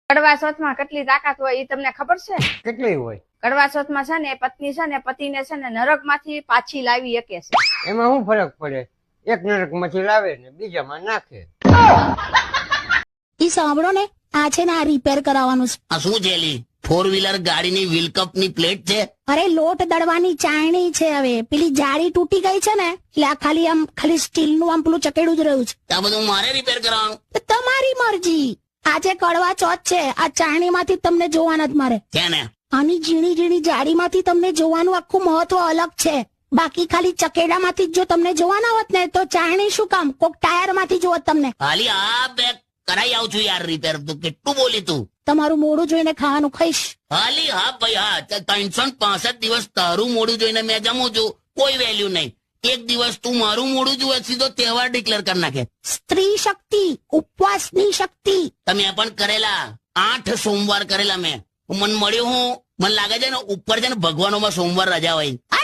કડવા ચોથમાં કેટલી તાકાત હોય એ તમને ખબર છે? કેટલી હોય? કડવા ચોથમાં છે ને પત્ની છે ને પતિને છે ને નરક માંથી પાછી લાવી શકે છે. એમાં શું ફરક પડે? એક નરક માંથી લાવે ને બીજામાં નાખે. ઈ સાંભળો ને, આ છે ને આ રિપેર કરાવવાનું છે. આ શું છે લી? 4-વ્હીલર ગાડીની વ્હીલ કપ ની પ્લેટ છે? અરે લોટ દળવાની ચાયણી છે. હવે પેલી જાળી તૂટી ગઈ છે ને એટલે આ ખાલી સ્ટીલ નું આમ પેલું ચકેડું જ રહ્યું છે. આ બધું મારે રિપેર કરવાનું? તો તમારી મરજી. આજે કડવા ચોથ છે, આ ચાયણી માંથી તમને જોવાના જ મારે. છે ને? આની ઝીણી ઝીણી જાળી માંથી તમને જોવાનું આખું મહત્વ અલગ છે. બાકી ખાલી ચકેડા માંથી જો તમને જોવાના હોત ને તો ચાયણી શું કામ, કોક ટાયર માંથી જોત તમને. હાલી આ બે કરાઈ આવું છું યાર રિપેર. તું કેટલું બોલી તું? તમારું મોડું જોઈને ખાવાનું ખાઈશ. હાલી હા ભાઈ હા. 365 દિવસ તારું મોડું જોઈને મેં જમું છું, કોઈ વેલ્યુ નહીં. એક દિવસ તું મારું મોડું જુએ સીધો તહેવાર ડિક્લેર કરી નાખે. સ્ત્રી શક્તિ, ઉપવાસની શક્તિ. તમે પણ કરેલા 8 સોમવાર કરેલા મેં. મને મળ્યું હું, મને લાગે છે ને ઉપર છે ને ભગવાનોમાં સોમવાર રજા હોય.